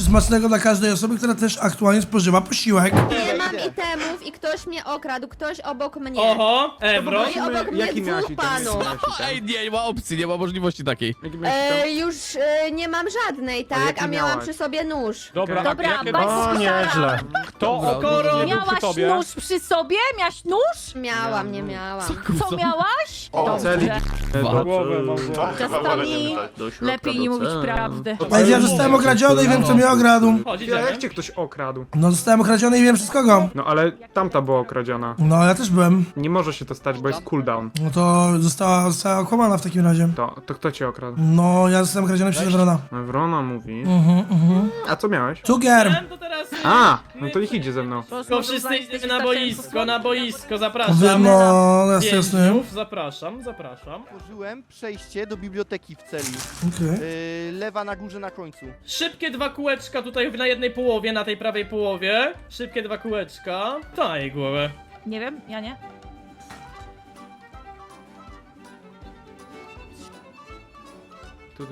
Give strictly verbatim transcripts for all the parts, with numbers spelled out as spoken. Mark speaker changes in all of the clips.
Speaker 1: smacznego dla każdej osoby, która też aktualnie spożywa posiłek.
Speaker 2: Nie mam itemów i ktoś mnie okradł, ktoś obok mnie.
Speaker 3: Oho, Ebro.
Speaker 2: I obok mnie
Speaker 4: Jaki miałeś
Speaker 2: dwóch
Speaker 4: item?
Speaker 2: panów.
Speaker 5: Ej, nie, nie ma opcji, nie ma możliwości takiej.
Speaker 4: Jaki miałeś
Speaker 2: E,
Speaker 4: item?
Speaker 2: już e, nie mam żadnej, tak?
Speaker 4: jaki
Speaker 2: A miałam
Speaker 4: miałaś?
Speaker 2: przy sobie nóż.
Speaker 6: Dobra,
Speaker 7: Dobra,
Speaker 6: jakie
Speaker 7: bądź
Speaker 6: to...
Speaker 4: O, nieźle.
Speaker 6: Kto
Speaker 5: Dobra,
Speaker 6: okoro nie był przy
Speaker 7: Miałaś
Speaker 6: tobie?
Speaker 7: nóż przy sobie? Miałaś nóż?
Speaker 2: Miałam, nie miałam.
Speaker 7: Co miałaś?
Speaker 4: O, celi.
Speaker 7: Dobrze.
Speaker 6: Głowę mam głowę.
Speaker 7: Czasami lepiej nie mówić prawdy.
Speaker 1: Ej, ja zostałem okradziony i wiem, kto mnie okradł.
Speaker 3: Chodź,
Speaker 4: Ja,
Speaker 3: idziemy.
Speaker 4: jak cię ktoś okradł?
Speaker 1: No, zostałem okradziony i wiem przez kogo.
Speaker 4: No ale tamta była okradziona.
Speaker 1: No, ja też byłem.
Speaker 4: Nie może się to stać, bo jest cooldown.
Speaker 1: No to została, została okłamana w takim razie.
Speaker 4: To, to kto cię okradł?
Speaker 1: No, ja zostałem okradziony przez Evrona.
Speaker 4: Ewrona mówi.
Speaker 1: Mhm, mhm.
Speaker 4: A co miałeś?
Speaker 1: Cukier!
Speaker 3: Wiem, to teraz...
Speaker 4: A, no to niech idzie ze mną.
Speaker 3: Tylko wszyscy idziemy na boisko, na boisko, zapraszam.
Speaker 1: Wiem, no, jasne, jasne.
Speaker 3: Więźniów, zapraszam, zapraszam.
Speaker 8: Otworzyłem przejście do biblioteki w celi.
Speaker 1: Okej.
Speaker 8: Yy, lewa na górze na końcu.
Speaker 3: Szybkie dwa kółeczka tutaj na jednej połowie, na tej prawej połowie. Szybkie dwa kółeczka. Daj głowę.
Speaker 7: Nie wiem, ja nie.
Speaker 4: Tu, tu.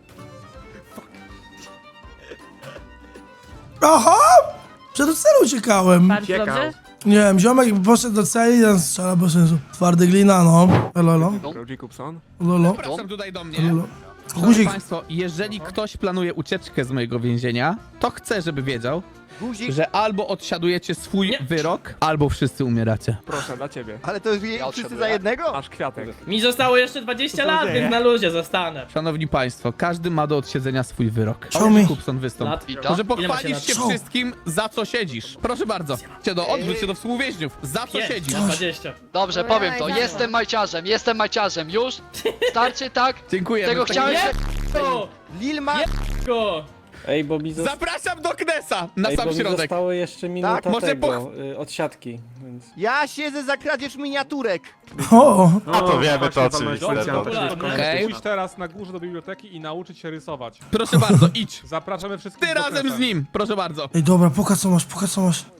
Speaker 1: Aha! Przed celu uciekałem.
Speaker 7: Bardzo
Speaker 4: Ciekał.
Speaker 7: dobrze.
Speaker 1: Nie wiem, ziomek poszedł do celi, ten strzela bez sensu. Twardy glina, no. Lolo,
Speaker 4: Jacobson?
Speaker 1: lolo,
Speaker 5: Zapraszam tutaj do mnie.
Speaker 1: lolo.
Speaker 5: Szanowni
Speaker 1: Guzik.
Speaker 5: Państwo, jeżeli ktoś planuje ucieczkę z mojego więzienia, to chcę, żeby wiedział,
Speaker 8: Guzik,
Speaker 5: że albo odsiadujecie swój
Speaker 3: Nie.
Speaker 5: wyrok, albo wszyscy umieracie.
Speaker 6: Proszę, dla ciebie.
Speaker 8: ale to je, wszyscy za jednego?
Speaker 6: Masz kwiatek.
Speaker 3: Mi zostało jeszcze dwadzieścia lat, więc na luzie zostanę.
Speaker 5: Szanowni Państwo, każdy ma do odsiedzenia swój wyrok.
Speaker 1: Show me.
Speaker 5: Kupson, wystąp.
Speaker 3: Lat.
Speaker 5: Może
Speaker 3: Ile macie
Speaker 5: pochwalisz
Speaker 3: lat?
Speaker 5: się
Speaker 1: Co?
Speaker 5: wszystkim, za co siedzisz. Proszę bardzo. Cię do, odwróć się do współwięźniów. Za co
Speaker 3: Pięć
Speaker 5: siedzisz?
Speaker 3: na dwadzieścia.
Speaker 9: Dobrze,
Speaker 2: Ojej,
Speaker 9: powiem to.
Speaker 2: dobra.
Speaker 9: Jestem majciarzem, jestem majciarzem. Już? Starczy, tak?
Speaker 5: Dziękujemy.
Speaker 9: Tego
Speaker 5: W takim-
Speaker 9: chciałeś?
Speaker 3: Go!
Speaker 8: Lil ma...
Speaker 3: Go!
Speaker 6: Ej, bo mi
Speaker 5: Zapraszam do Knesa na
Speaker 6: Ej,
Speaker 5: sam
Speaker 6: bo mi
Speaker 5: środek.
Speaker 6: zostało jeszcze minuta
Speaker 8: Tak?
Speaker 5: Może
Speaker 6: tego, y, od siatki, więc...
Speaker 8: Ja siedzę za kradzież miniaturek.
Speaker 1: O!
Speaker 4: No to
Speaker 10: wiemy, to
Speaker 4: właśnie,
Speaker 10: oczywiście,
Speaker 4: policjanta.
Speaker 10: to-
Speaker 3: Popularne.
Speaker 5: Okej.
Speaker 6: Pójdź teraz na górze do biblioteki i nauczyć się rysować.
Speaker 5: Proszę bardzo, idź.
Speaker 6: Zapraszamy wszystkich
Speaker 5: Ty
Speaker 6: do
Speaker 5: razem
Speaker 6: Knesa.
Speaker 5: z nim, proszę bardzo.
Speaker 1: Ej, dobra, pokaż co masz, pokaż co masz.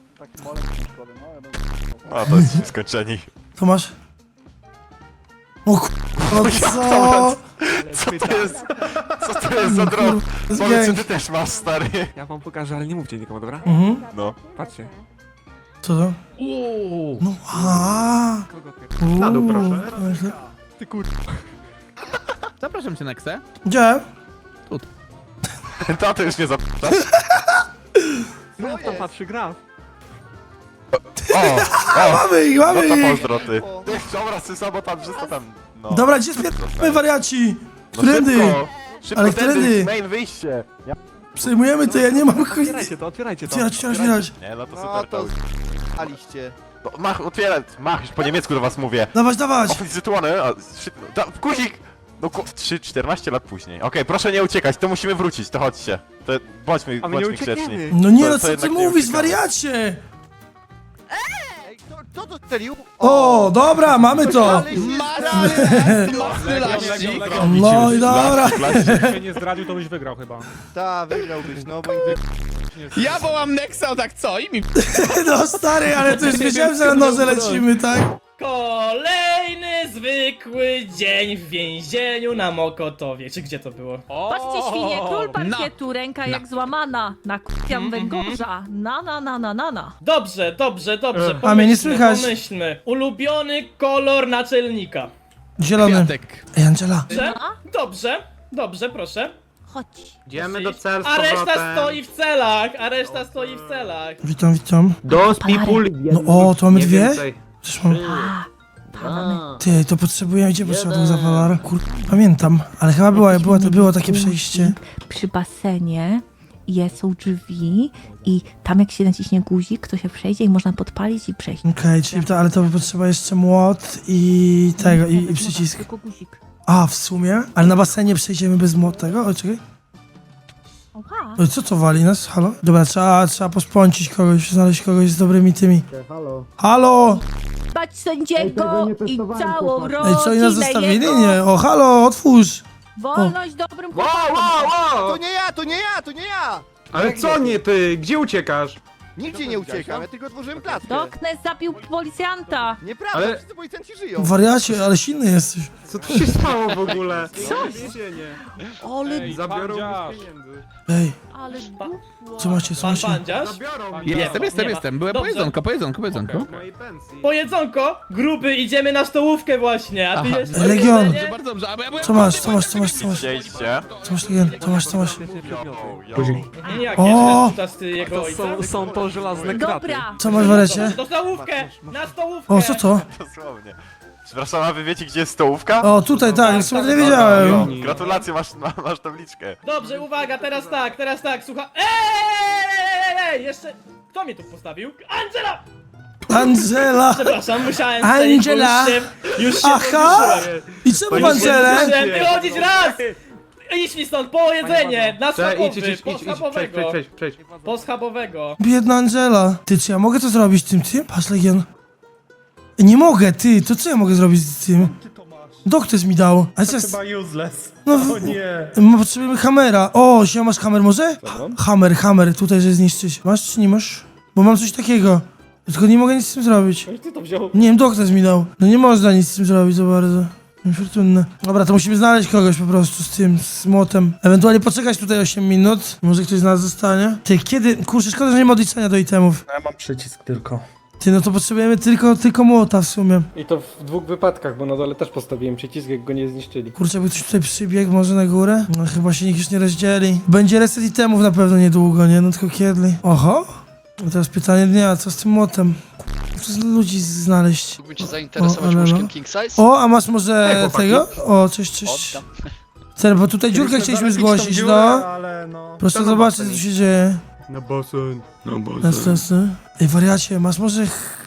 Speaker 10: A, to jest skończeni.
Speaker 1: Co masz? O kur... No co?
Speaker 10: Co to jest? Co to jest za drog?
Speaker 1: jest
Speaker 10: Powiedz, co
Speaker 1: gang.
Speaker 10: ty też masz, stary.
Speaker 4: Ja wam pokażę, ale nie mówcie nikomu, dobra?
Speaker 1: Mhm.
Speaker 10: No.
Speaker 4: Patrzcie.
Speaker 1: Co to?
Speaker 5: Uuu.
Speaker 1: No, a.
Speaker 4: Kogo ty? Na dół, proszę.
Speaker 10: Ty kur...
Speaker 5: Zapraszam cię, Nexe.
Speaker 1: Gdzie?
Speaker 10: Tato już nie zapytasz.
Speaker 4: No to patrzy graf.
Speaker 10: O, o,
Speaker 1: Mamy ich,
Speaker 10: no
Speaker 1: mamy
Speaker 10: to
Speaker 1: ich!
Speaker 10: pozdro, ty. Ty, dobra, sysa, bo tam wszystko tam... No.
Speaker 1: Dobra, gdzie spierdolamy, wariaci?
Speaker 10: No
Speaker 1: Którędy?
Speaker 10: szybko, szybko
Speaker 1: Ale
Speaker 10: tędy,
Speaker 1: którędy?
Speaker 10: main wyjście. Ja...
Speaker 1: Przejmujemy to, ja nie mam chuj...
Speaker 4: Otwierajcie to, otwierajcie to.
Speaker 1: Otwierać, otwierać, otwierać.
Speaker 10: Nie, no to
Speaker 8: No
Speaker 10: super.
Speaker 8: to
Speaker 10: To...
Speaker 8: aliście.
Speaker 10: No, mach, otwieraj, mach, już po niemiecku do was mówię.
Speaker 1: Dawać, dawać!
Speaker 10: Oficytuany, a... szybko- Da, guzik! No ku... trzy czternaście lat później. Okej, proszę nie uciekać, to musimy wrócić, to chodźcie. To bądźmy,
Speaker 4: A my nie
Speaker 10: bądźmy grzeczni.
Speaker 4: uciekniemy.
Speaker 1: No nie,
Speaker 10: To-
Speaker 1: no
Speaker 10: to
Speaker 1: co ty
Speaker 10: jednak nie
Speaker 1: mówisz,
Speaker 10: uciekamy.
Speaker 1: wariacie?
Speaker 8: Ej, kto, kto to strzelił?
Speaker 1: O, dobra, mamy to!
Speaker 8: Ale się
Speaker 5: Masy, masy laści.
Speaker 1: No i dobra.
Speaker 6: Jakbyś się nie zdradził, to byś wygrał chyba.
Speaker 8: Ta, wygrałbyś, no bo...
Speaker 5: Ja wołam Nexa, tak co? I mi...
Speaker 1: No stary, ale to już wiedziałem, że na noże lecimy, tak?
Speaker 3: Kolejny zwykły dzień w więzieniu na Mokotowie. Czy gdzie to było?
Speaker 7: Patrzcie, świnie, król
Speaker 5: na-
Speaker 7: parkietu, ręka jak złamana. Na kupiam węgorza. Na, na, na, na, na, na.
Speaker 3: Dobrze, dobrze, dobrze.
Speaker 1: A mnie nie
Speaker 3: Pomyślmy,
Speaker 1: słychać.
Speaker 3: pomyślmy. Ulubiony kolor naczelnika.
Speaker 1: Zielony.
Speaker 5: Kwiatek.
Speaker 1: Ej, Angela.
Speaker 3: Dobrze,
Speaker 7: No.
Speaker 3: dobrze, dobrze, proszę.
Speaker 7: Chodź.
Speaker 4: Idziemy do cel z
Speaker 3: A reszta
Speaker 4: powrotem.
Speaker 3: stoi w celach, a reszta stoi w celach.
Speaker 1: Witam, witam.
Speaker 4: Dos people.
Speaker 1: No o, to mamy
Speaker 4: Nie
Speaker 1: dwie?
Speaker 4: więcej.
Speaker 1: Przecież mam...
Speaker 7: A, padamy.
Speaker 1: Ty, to potrzebujemy, gdzie potrzeba tego zapalar? Kur... Pamiętam, ale chyba była, była, to było takie przejście.
Speaker 7: Przy basenie jest, są drzwi i tam jak się naciśnie guzik, to się przejdzie i można podpalić i przejść.
Speaker 1: Okej, czyli to, ale to potrzeba jeszcze młot i tego, i, i przycisk.
Speaker 7: Tylko guzik.
Speaker 1: A, w sumie? Ale na basenie przejdziemy bez młotego? O, czekaj.
Speaker 7: Oha.
Speaker 1: Oj, co to wali nas? Halo? Dobra, trzeba, trzeba pospącić kogoś, znaleźć kogoś z dobrymi tymi. Halo? Halo?
Speaker 7: Bać sędziego i całą rodzinę
Speaker 1: Ej, co oni nas zostawili?
Speaker 7: jego.
Speaker 1: Nie, o, halo, otwórz!
Speaker 7: Wolność dobrym
Speaker 4: Wow,
Speaker 7: chłopakom.
Speaker 4: wow, wow!
Speaker 8: To nie ja, to nie ja, to nie ja!
Speaker 4: Ale co nie ty? Gdzie uciekasz?
Speaker 8: Nigdzie nie uciekam, ja tylko otworzyłem klatkę.
Speaker 7: Doknes zabił policjanta.
Speaker 8: Nieprawda,
Speaker 4: Ale-
Speaker 8: wszyscy policjanci żyją.
Speaker 1: Wariacie, ale silny jesteś.
Speaker 4: Co tu się stało w ogóle? Co? Więzienie.
Speaker 7: Ale,
Speaker 6: Ej,
Speaker 4: Zabiorą
Speaker 6: pandziarz.
Speaker 4: mi pieniędzy.
Speaker 1: Ej,
Speaker 7: ale gufło.
Speaker 1: co macie, co
Speaker 3: Pan
Speaker 1: macie?
Speaker 3: pandziarz?
Speaker 4: Zabiorą mi
Speaker 3: Nie
Speaker 5: Jestem,
Speaker 3: ma,
Speaker 5: jestem,
Speaker 3: nie ma.
Speaker 5: jestem. Byłem po
Speaker 3: Dobrze.
Speaker 5: jedzonko, po jedzonko, po jedzonko.
Speaker 4: z mojej pensji.
Speaker 3: Po jedzonko, gruby, idziemy na stołówkę właśnie, a ty
Speaker 5: Aha.
Speaker 3: jeszcze...
Speaker 1: Legion.
Speaker 3: jedzenie?
Speaker 5: Bardzo dobrze, a bo ja byłem...
Speaker 1: Co masz, co masz, co masz, co masz?
Speaker 10: Gdzie idźcie?
Speaker 1: Co masz, Legion? Co masz, co masz?
Speaker 10: Yo, yo.
Speaker 3: Mhm, Jak
Speaker 1: O!
Speaker 3: jeszcze czytasz ty jego
Speaker 4: To
Speaker 3: ojca?
Speaker 4: są, są to żelazne kraty.
Speaker 7: Dobra.
Speaker 1: Co masz, Wariacie?
Speaker 3: Do stołówkę! Na stołówkę!
Speaker 1: O, co to?
Speaker 10: Dosłownie. Przepraszam, a wy wiecie, gdzie jest stołówka?
Speaker 1: O, tutaj, tak, w sumie nie
Speaker 10: Jo,
Speaker 1: wiedziałem.
Speaker 10: gratulacje, masz, ma- masz tabliczkę.
Speaker 3: Dobrze, uwaga, teraz tak, teraz tak, słucha... Eee, ej, jeszcze... Kto mnie tu postawił? Angela!
Speaker 1: Angela!
Speaker 3: Przepraszam, musiałem
Speaker 1: Angela!
Speaker 3: strzelić, bo już się... Już się
Speaker 1: Aha! I czemu w Angelę?
Speaker 3: Musiałem wychodzić raz! Idź mi stąd, po jedzenie! Na
Speaker 4: Cześć, idź, idź,
Speaker 3: schabowy,
Speaker 4: idź,
Speaker 3: po
Speaker 4: idź, idź, przejdź,
Speaker 3: schabowego!
Speaker 4: przejdź, przejdź, przejdź.
Speaker 3: Po schabowego!
Speaker 1: Biedna Angela. Ty, czy ja mogę to zrobić tym, tym? Patrz, Legion. Nie mogę, ty, to co ja mogę zrobić z tym? Doktor mi dał. Ale to jest...
Speaker 6: useless.
Speaker 1: No, w... nie. Potrzebujemy hamera. O, siema, masz hammer może? Hammer, hammer, tutaj, że zniszczyć. Masz czy nie masz? Bo mam coś takiego. Tylko nie mogę nic z tym zrobić.
Speaker 6: Ty to wziął.
Speaker 1: Nie wiem, doktor mi dał. No nie można nic z tym zrobić za bardzo. Niefortunne. Dobra, to musimy znaleźć kogoś po prostu z tym, z młotem. Ewentualnie poczekać tutaj osiem minut. Może ktoś z nas zostanie. Ty, kiedy? Kurczę, szkoda, że nie ma odliczenia do itemów.
Speaker 6: Ja mam przycisk tylko.
Speaker 1: Ty, no to potrzebujemy tylko, tylko młota w sumie.
Speaker 6: I to w dwóch wypadkach, bo na dole też postawiłem przycisk, jak go nie zniszczyli.
Speaker 1: Kurczę, jakby ktoś tutaj przybiegł może na górę? No chyba się nikt już nie rozdzieli. Będzie reset itemów na pewno niedługo, nie? No tylko kiedy? Oho. No teraz pytanie dnia, co z tym młotem? Co z ludzi znaleźć?
Speaker 9: Mógłbym cię zainteresować
Speaker 1: O, ale
Speaker 9: łóżkiem
Speaker 1: no.
Speaker 9: king size?
Speaker 1: O, a masz może tego? O, cześć, cześć.
Speaker 9: Oddam.
Speaker 1: Cel, bo tutaj dziurkę chcieliśmy zgłosić, no.
Speaker 6: Ale no...
Speaker 1: Proszę zobaczyć, co tu się dzieje.
Speaker 4: Na basen. Na
Speaker 1: Jasne, jasne. Ej, wariacie, masz może...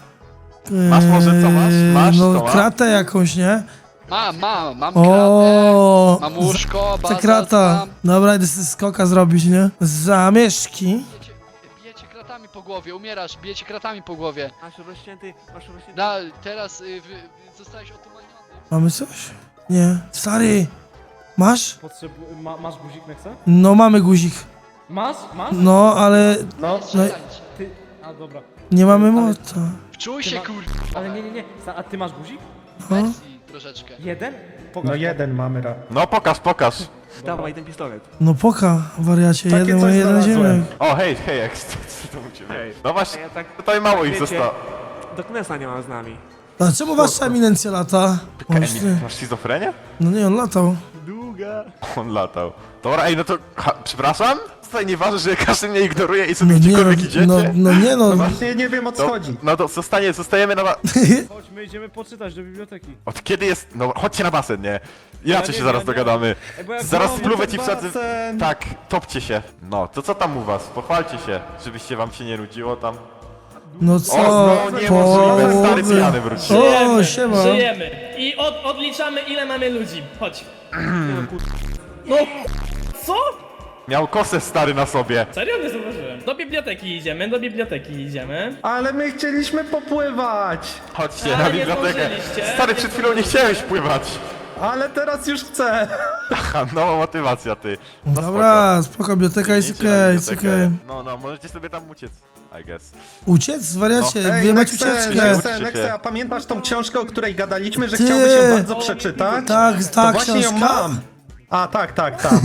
Speaker 10: Masz może, co masz? Masz,
Speaker 1: No,
Speaker 10: co masz?
Speaker 1: kratę jakąś, nie?
Speaker 9: Mam, mam, mam kratę,
Speaker 1: O,
Speaker 9: mam łóżko,
Speaker 1: ta
Speaker 9: bazalt
Speaker 1: krata.
Speaker 9: mam.
Speaker 1: Dobra, idę sobie skoka zrobić, nie? Zamieszki.
Speaker 9: Bijecie, bijecie kratami po głowie, umierasz, bijecie kratami po głowie.
Speaker 4: Masz rozcięty, masz rozcięty.
Speaker 9: Na, teraz y, wy, zostałeś otumaniony.
Speaker 1: Mamy coś? Nie. Stary, masz?
Speaker 6: Potrzebu... Ma, masz guzik Nexa?
Speaker 1: No, mamy guzik.
Speaker 6: Masz? Masz?
Speaker 1: No, ale
Speaker 6: No.
Speaker 1: No.
Speaker 9: Strzelańcie.
Speaker 6: Ty... A dobra.
Speaker 1: nie mamy młota.
Speaker 9: Wczuj się,
Speaker 6: ma-
Speaker 9: kur...
Speaker 6: Ale nie, nie, nie. Sa- A ty masz guzik?
Speaker 9: wersji troszeczkę.
Speaker 6: Jeden? Pokaż, no jeden mamy ra.
Speaker 10: No pokaż, pokaż.
Speaker 4: Dawaj ten pistolet.
Speaker 1: No poka, wariacie, jeden,
Speaker 6: coś
Speaker 1: jeden
Speaker 6: znalazłem.
Speaker 1: ziemek.
Speaker 10: O, hej, hej, jak co to u ciebie?
Speaker 4: Hej.
Speaker 10: No właśnie,
Speaker 4: A ja tak-
Speaker 10: tutaj mało ich
Speaker 4: wiecie,
Speaker 10: zostało.
Speaker 4: Doknesa nie ma z nami.
Speaker 1: A czemu wasza eminencja lata? O,
Speaker 10: Emil,
Speaker 1: ty.
Speaker 10: masz schizofrenię?
Speaker 1: No nie, on latał.
Speaker 4: Długa.
Speaker 10: On latał. Dobra, ej, no to, ha, przepraszam? Tutaj nie ważne, że każdy mnie ignoruje i sobie
Speaker 1: No nie,
Speaker 10: gdziekolwiek
Speaker 1: no,
Speaker 10: idziecie?
Speaker 1: no, no nie no.
Speaker 6: Właśnie nie wiem o co
Speaker 10: To-
Speaker 6: chodzi.
Speaker 10: No to zostanie, zostajemy na... ba-
Speaker 6: Chodźmy, idziemy poczytać do biblioteki.
Speaker 10: Od kiedy jest... No chodźcie na basen, nie? Inaczej
Speaker 6: nie
Speaker 10: się zaraz
Speaker 6: wiem, nie
Speaker 10: dogadamy.
Speaker 6: Ej, bo jak
Speaker 10: Zaraz
Speaker 6: mam
Speaker 10: spluwę
Speaker 6: ten
Speaker 10: ci wsadzę...
Speaker 6: basen.
Speaker 10: Tak, topcie się. No, to co tam u was? Pochwalcie się, żebyście wam się nie nudziło tam.
Speaker 1: No
Speaker 10: O,
Speaker 1: co?
Speaker 10: no niemożliwe, stary
Speaker 1: Połowy.
Speaker 10: pijany wrócił.
Speaker 1: O,
Speaker 3: Żyjemy,
Speaker 1: siema.
Speaker 3: żyjemy. I od, odliczamy ile mamy ludzi. Chodź. No, co?
Speaker 10: Miał kosę stary na sobie.
Speaker 3: Serio? Nie zauważyłem. Do biblioteki idziemy, do biblioteki idziemy.
Speaker 6: Ale my chcieliśmy popływać.
Speaker 10: Chodźcie
Speaker 3: Ale
Speaker 10: na
Speaker 3: nie
Speaker 10: bibliotekę.
Speaker 3: zdążyliście.
Speaker 10: Stary, przed chwilą nie chciałeś pływać.
Speaker 6: Ale teraz już chcę.
Speaker 10: Aha, nowa motywacja, ty. No
Speaker 1: Dobra, spoko, biblioteka jest
Speaker 10: Idźcie na
Speaker 1: okej, jest
Speaker 10: bibliotekę.
Speaker 1: okej.
Speaker 10: No, no, możecie sobie tam uciec, I guess.
Speaker 1: Uciec? Wariacie,
Speaker 10: No.
Speaker 1: wy macie ucieczkę.
Speaker 10: Nexe, Nexe, a
Speaker 6: pamiętasz tą książkę, o której gadaliśmy, że
Speaker 1: Ty. chciałbyś ją bardzo
Speaker 6: przeczytać?
Speaker 1: Tak, tak, książka.
Speaker 6: A, tak, tak, tak.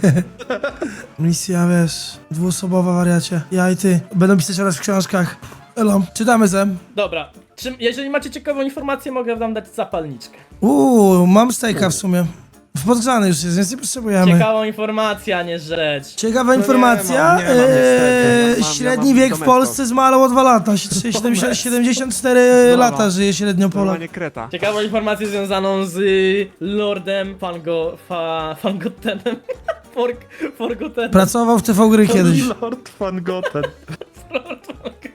Speaker 1: Misja, wiesz, dwuosobowa, wariacie. Ja i ty. Będą pisać oraz w książkach. Elo, czytamy zem.
Speaker 3: Dobra. Czy, jeżeli macie ciekawą informację, mogę wam dać zapalniczkę.
Speaker 1: Uuu, mam stejka w sumie. Podgrzany już jest, więc nie potrzebujemy.
Speaker 3: Ciekawą informację, a nie rzecz.
Speaker 1: Ciekawa informacja.
Speaker 6: mam, nie mam
Speaker 1: eee,
Speaker 6: niestety.
Speaker 4: Mam-
Speaker 1: średni
Speaker 4: ja mam
Speaker 1: wiek w
Speaker 4: Domestos.
Speaker 1: Polsce zmalał o dwa lata. siedemdziesiąt, siedemdziesiąt cztery lata żyje średnio Polak.
Speaker 4: Normalnie kreta.
Speaker 3: Ciekawą informację związaną z y, Lordem Fango... Fa, Fangotenem. For, Forgotenem.
Speaker 1: Pracował w T V gry kiedyś.
Speaker 6: Lord Van Goten.
Speaker 3: Lord Fangoten.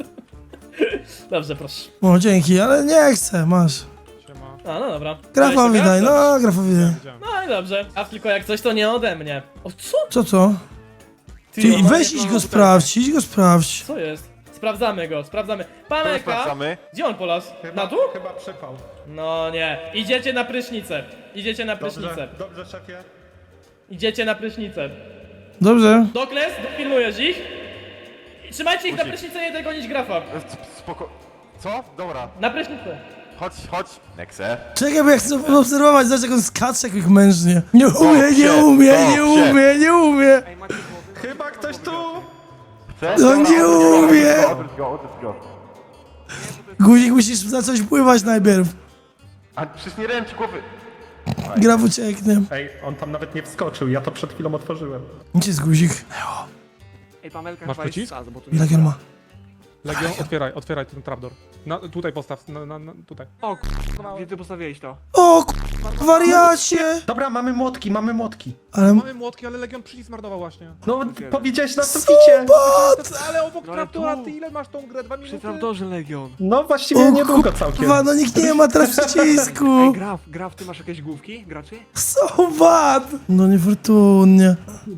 Speaker 3: Dobrze, proszę.
Speaker 1: O, dzięki, ale nie chcę, masz.
Speaker 3: A, no dobra.
Speaker 1: Grafowi
Speaker 3: Dajesz
Speaker 1: daj,
Speaker 3: sobie?
Speaker 1: no, grafowi daj.
Speaker 3: No i dobrze. A tylko jak coś, to nie ode mnie. O, co?
Speaker 1: Co to?
Speaker 3: Ty,
Speaker 1: Ty,
Speaker 3: no,
Speaker 1: weź idź go sprawdź, idź go sprawdź.
Speaker 3: Co jest? Sprawdzamy go, sprawdzamy.
Speaker 10: To
Speaker 3: Pamelka!
Speaker 10: sprawdzamy.
Speaker 3: Gdzie on polas? Na tu?
Speaker 6: Chyba przepał.
Speaker 3: No nie. Idziecie na prysznicę. Idziecie na prysznicę.
Speaker 6: dobrze, szefie.
Speaker 3: Idziecie na prysznicę.
Speaker 1: Dobrze.
Speaker 3: Dokles, dopilnujesz ich? Trzymajcie ich na
Speaker 10: Guzik.
Speaker 3: prysznicu, nie tego gonić grafa.
Speaker 10: E, Spoko... Co? Dobra.
Speaker 3: Na prysznicu.
Speaker 10: Chodź, chodź. Nexe.
Speaker 1: Czekaj, bo ja chcę obserwować, zobacz jak on skacze jak mężnie. Nie umie, nie
Speaker 10: się,
Speaker 1: umie,
Speaker 10: to
Speaker 1: nie
Speaker 10: się.
Speaker 1: umie, nie umie.
Speaker 4: Ej, macie głowy?
Speaker 5: Chyba ktoś tu!
Speaker 10: Chcesz?
Speaker 1: No
Speaker 10: Dobra,
Speaker 1: nie
Speaker 10: odwróć go,
Speaker 1: umie.
Speaker 10: Odwróć go, odwróć go.
Speaker 1: Guzik, musisz na coś pływać najpierw.
Speaker 10: A przecież nie ręcz głowy.
Speaker 1: Graf ucieknie.
Speaker 6: Ej, on tam nawet nie wskoczył, ja to przed chwilą otworzyłem.
Speaker 1: Gdzie jest guzik?
Speaker 4: Ej, Pamelka
Speaker 6: Masz
Speaker 4: chyba jest
Speaker 6: przycisk?
Speaker 4: saz, bo tu nie
Speaker 1: Ile gier ma?
Speaker 6: Legion, otwieraj, otwieraj ten trapdoor. Na, tutaj postaw, na, na, na, tutaj.
Speaker 4: O k***a, gdzie ty postawiłeś to?
Speaker 1: O k***a, wariacie!
Speaker 6: Dobra, mamy młotki, mamy młotki.
Speaker 1: Ale...
Speaker 6: Mamy młotki, ale Legion przycisk zmarnował właśnie. No,
Speaker 4: Otwieram.
Speaker 6: powiedziałeś na suficie. Ale obok
Speaker 4: No ale
Speaker 6: trapdora,
Speaker 4: tu.
Speaker 6: ty ile masz tą grę? Dwa
Speaker 4: Przy
Speaker 6: minuty?
Speaker 4: trapdorze Legion.
Speaker 6: No właściwie
Speaker 1: O
Speaker 6: niedługo całkiem.
Speaker 1: kurwa, no nikt nie ma teraz
Speaker 4: Ej,
Speaker 1: przycisku.
Speaker 4: Graf, Graf, ty masz jakieś główki, graczy?
Speaker 1: So bad! No niefortunnie.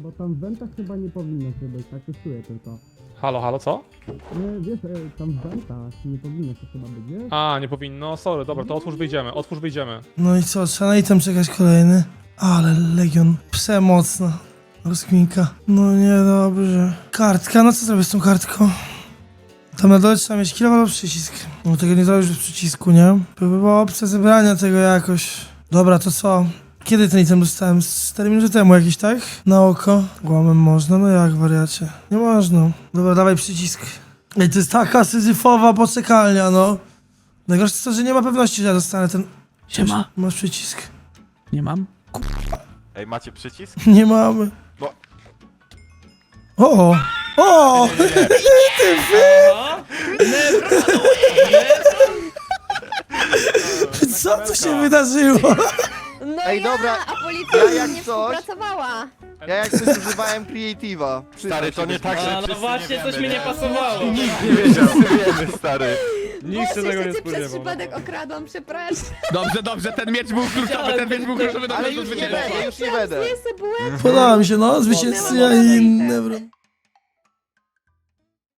Speaker 6: Halo, halo, co? Nie, wiesz, tam w wentach nie powinno się chyba być, nie? A, nie powinno, sorry, dobra, to otwórz, wyjdziemy, otwórz, wyjdziemy.
Speaker 1: No i co, trzeba na item czekać kolejny. Ale Legion, przemocna. Rozkminka. No niedobrze. Kartka, no co zrobię z tą kartką? Tam na dole trzeba mieć kilo albo przycisk. No tego nie zrobisz bez przycisku, nie? To by była opcja zebrania tego jakoś. Dobra, to co? Kiedy ten item dostałem? Z cztery minuty temu jakiś, tak? Na oko. Głamem można? No jak, wariacie? Nie można. Dobra, dawaj przycisk. Ej, to jest taka syzyfowa poczekalnia, no. Najgorsze jest to, że nie ma pewności, że ja dostanę ten...
Speaker 5: Siema.
Speaker 1: Masz przycisk?
Speaker 5: Nie mam.
Speaker 10: Ej, macie przycisk?
Speaker 1: Nie mamy.
Speaker 10: Bo-
Speaker 1: O! O!
Speaker 3: Aha. Nebro.
Speaker 1: Co tu się wydarzyło?
Speaker 2: No
Speaker 8: Ej,
Speaker 2: ja,
Speaker 8: dobra,
Speaker 2: a policja
Speaker 8: ja
Speaker 2: ja
Speaker 8: jak
Speaker 2: nie
Speaker 8: coś-
Speaker 2: współpracowała.
Speaker 8: Ja jak coś używałem Creative'a.
Speaker 10: Stary, to nie tak, że
Speaker 3: A, no
Speaker 10: wszyscy
Speaker 3: właśnie,
Speaker 10: nie
Speaker 3: coś
Speaker 10: wiemy,
Speaker 3: mi nie pasowało.
Speaker 10: Nikt nie wiedział, wiemy, stary.
Speaker 2: Nikt się tego nie spodziewał. Przez przypadek okradłam, przepraszam.
Speaker 5: Dobrze, dobrze, ten miecz był kluczowy, ten miecz był kluczowy do
Speaker 8: Ale
Speaker 5: meczu
Speaker 8: już nie
Speaker 5: zwycięstwa.
Speaker 8: będę, już nie będę.
Speaker 2: Zły sobie byłem.
Speaker 1: Podoba mi się, no, zwycięzcy, a inne, bro.